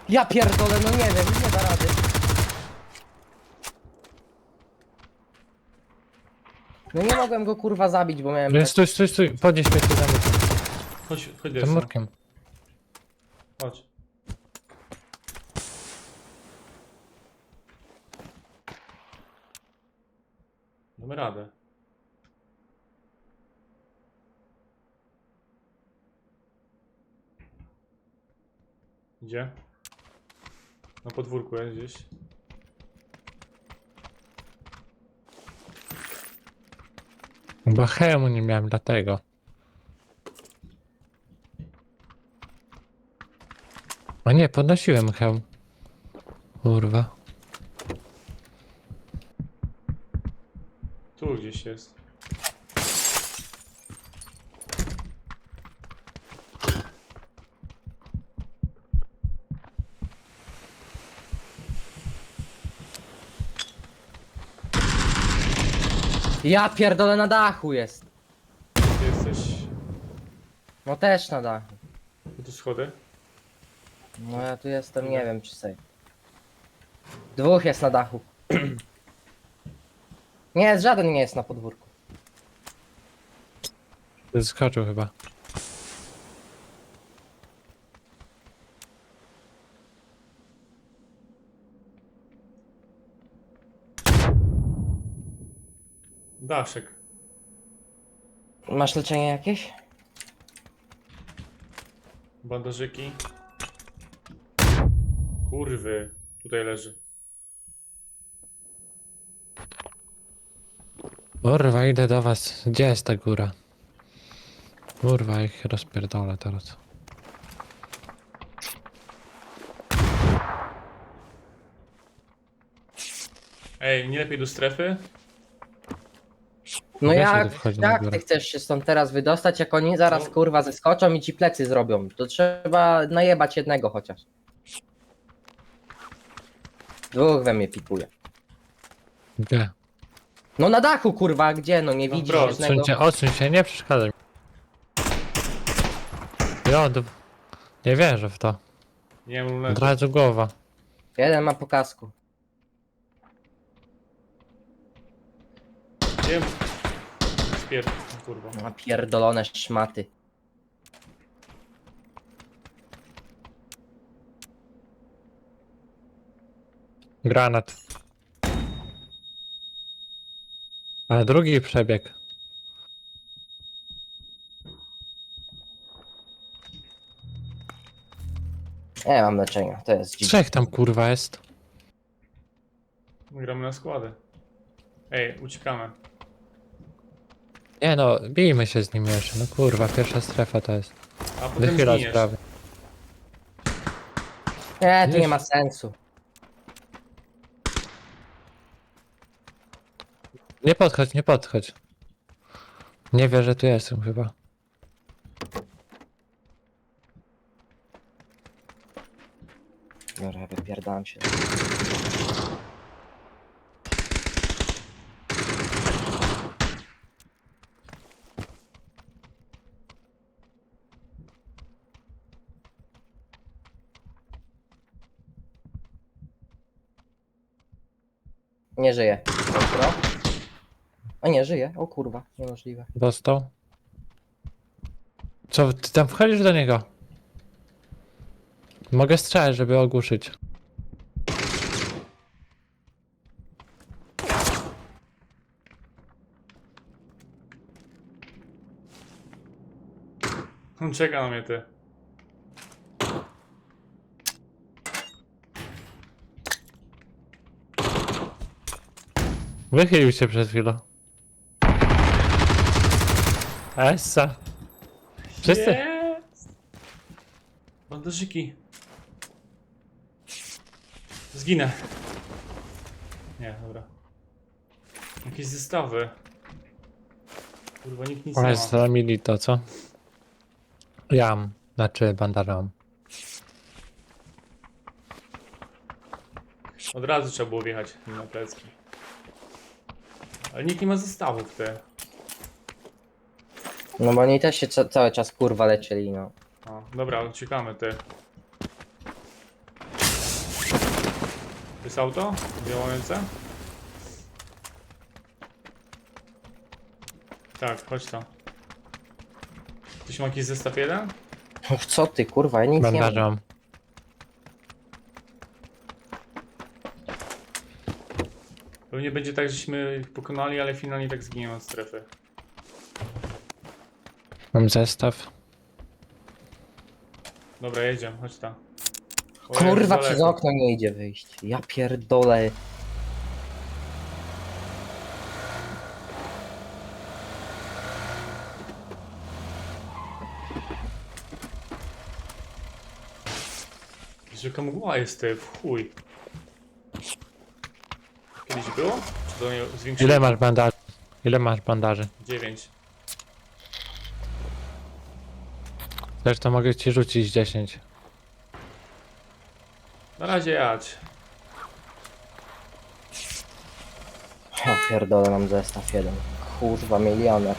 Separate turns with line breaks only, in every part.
Ja pierdolę, no nie wiem, nie da rady. No nie mogłem go kurwa zabić, bo miałem tak...
Stój, podnieś mnie tu za murkiem.
Chodź
Tym
Jason.
murkiem.
Chodź. Damy radę. Gdzie? Na podwórku jest gdzieś.
Bo hełmu nie miałem dlatego. O nie, podnosiłem hełm. Kurwa.
Tu gdzieś jest.
Ja pierdolę, na dachu jest.
Ty jesteś...
No też na dachu.
Tu schody?
No ja tu jestem, nie wiem czy sobie. Dwóch jest na dachu. Nie, żaden nie jest na podwórku.
Zeskoczył chyba.
Daszek.
Masz leczenie jakieś?
Bandażyki. Kurwy. Tutaj leży.
Kurwa, idę do was. Gdzie jest ta góra? Kurwa, ich rozpierdolę teraz.
Ej, nie lepiej do strefy?
No
Weź
jak,
tu wchodzi na
jak
górę.
ty chcesz się stąd teraz wydostać, jak oni zaraz
No.
kurwa zeskoczą i ci plecy zrobią? To trzeba najebać jednego chociaż. Dwóch we mnie pikuje.
Gdzie?
No na dachu kurwa, gdzie? No nie
No
widzisz
bro,
jednego.
Odsuń się, nie przeszkadzaj. Jod. Nie wierzę w to.
Nie mam
Od
leży.
razu głowa.
Jeden ma po kasku.
Wiem. Spierd... Kurwa.
Ma pierdolone szmaty.
Granat. Ale drugi przebieg.
Nie mam leczenia, to jest dziwne.
Trzech tam kurwa jest.
Gramy na składy. Ej, uciekamy.
Nie no, bijmy się z nim jeszcze. No kurwa, pierwsza strefa to jest.
A potem
Wychyla
zginiesz.
sprawy.
Nie, to nie ma sensu.
Nie podchodź, nie podchodź. Nie wie, że tu jestem chyba.
Dobra, wypierdam się. Nie żyje. Dobra. A nie, żyje. O kurwa, niemożliwe.
Dostał. Co, ty tam wchodzisz do niego? Mogę strzelać, żeby ogłuszyć.
On czeka na mnie, ty.
Wychylił się przed chwilą. Essa. Wszyscy?
Jest! Bandażyki. Zginę. Nie, dobra. Jakieś zestawy. Kurwa, nikt nic nie
Ale
ma.
zamieli to, co? Jam. Znaczy bandażą.
Od razu trzeba było wjechać na plecki. Ale nikt nie ma zestawów, te.
No bo oni też się cały czas kurwa leczyli, no.
O, dobra, uciekamy, ty. Jest auto? Działające? Tak, chodź to. Ktoś ma jakiś zestaw jeden?
Och, co ty, kurwa, ja nic nie
Bandaże
mam.
mam.
Pewnie będzie tak, żeśmy ich pokonali, ale finalnie tak zginiemy od strefy.
Mam zestaw.
Dobra, jedziemy, chodź tam. O,
Kurwa,
jak
przez
daleko.
okno nie idzie wyjść. Ja pierdolę.
Rzeka mgła jest w chuj. Kiedyś było? Czy to nie zwiększyło?
Ile masz bandaży? Ile masz bandaży?
9.
Zresztą mogę ci rzucić 10.
Na razie jadź.
Ja pierdolę, mam zestaw jeden. Kurwa, milioner.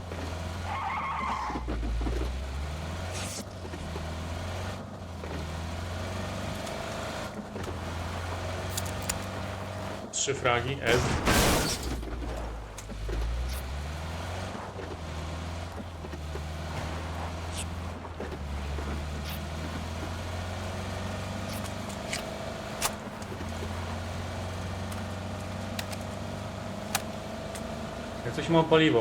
Trzy fragi, S. Jak coś ma paliwo.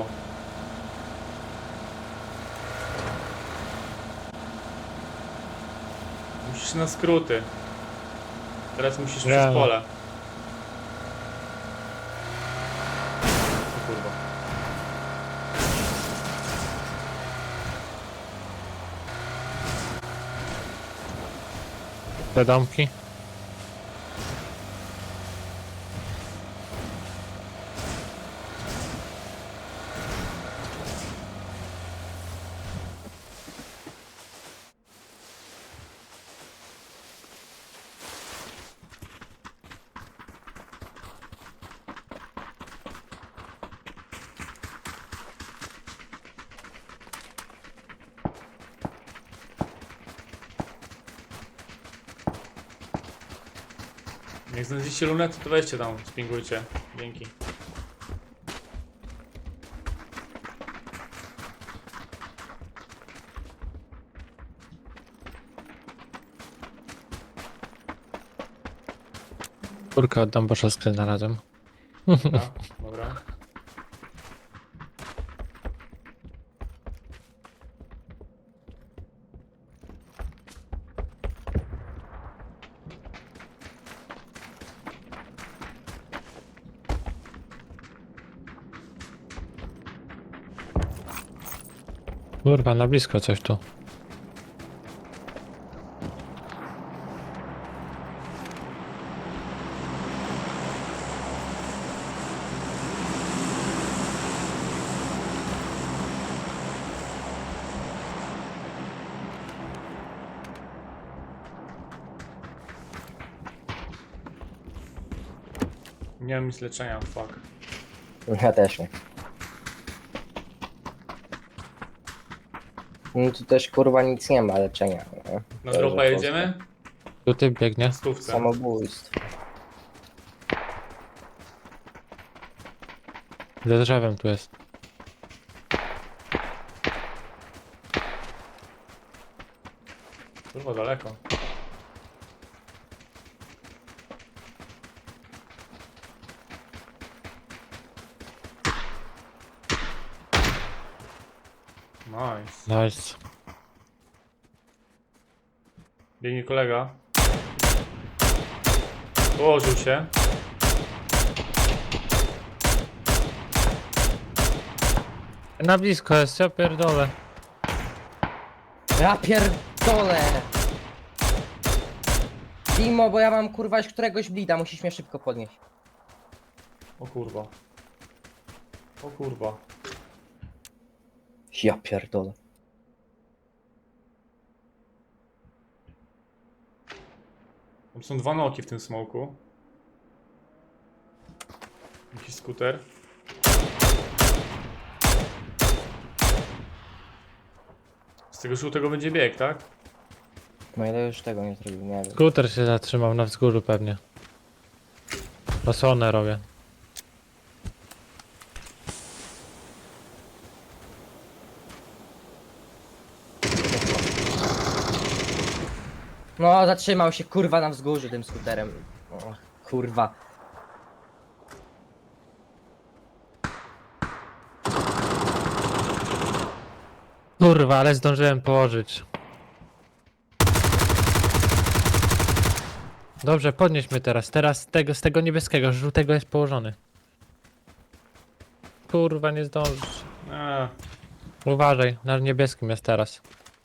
Musisz na skróty. Teraz musisz
Nie.
przez pole. O kurwa.
Te domki?
Jak znajdziecie lunetę, to weźcie tam, spingujcie. Dzięki.
Kurkę oddam, bo szoskę znalazłem.
Dobra, dobra.
Kurwa, na blisko coś tu.
Nie mam nic leczenia, fuck.
Ja też nie. No tu też kurwa nic nie ma leczenia. Nie?
Na
To,
dropa
że
jedziemy?
Tu ty biegnie.
W stówce.
Samobójstwo.
Za drzewem tu jest.
Kurwa, daleko. Nice.
Nice.
Biegnie kolega. Położył się.
Na blisko jest, ja pierdolę.
Ja pierdolę! Dimo, bo ja mam kurwa już któregoś blida, musisz mnie szybko podnieść.
O kurwa. O kurwa.
Ja pierdolę.
Tam są dwa noki w tym smoku. Jakiś skuter. Z tego żółtego będzie bieg, tak?
No ile już tego nie zrobił, nie wiem.
Skuter się zatrzymał na wzgórzu pewnie. Osłonę robię.
No, zatrzymał się kurwa na wzgórzu tym skuterem. O, kurwa.
Kurwa, ale zdążyłem położyć. Dobrze, podnieś mnie teraz. Teraz z tego niebieskiego, żółtego jest położony. Kurwa, nie zdążysz.
A,
Uważaj, na niebieskim jest teraz.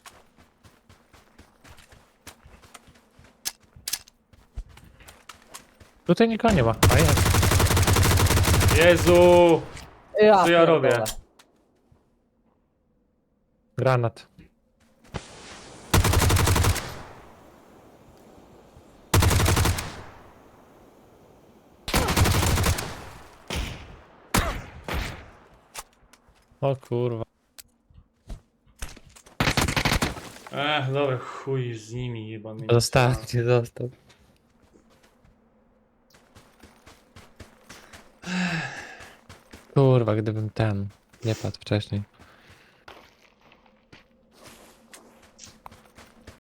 Tutaj nikogo nie ma. A jest.
Jezu!
Ja
Co ja robię?
pierdolę.
Granat. O kurwa.
Dobra, chuj z nimi, jebany.
Zostawcie, zostaw. Kurwa, gdybym ten nie padł wcześniej.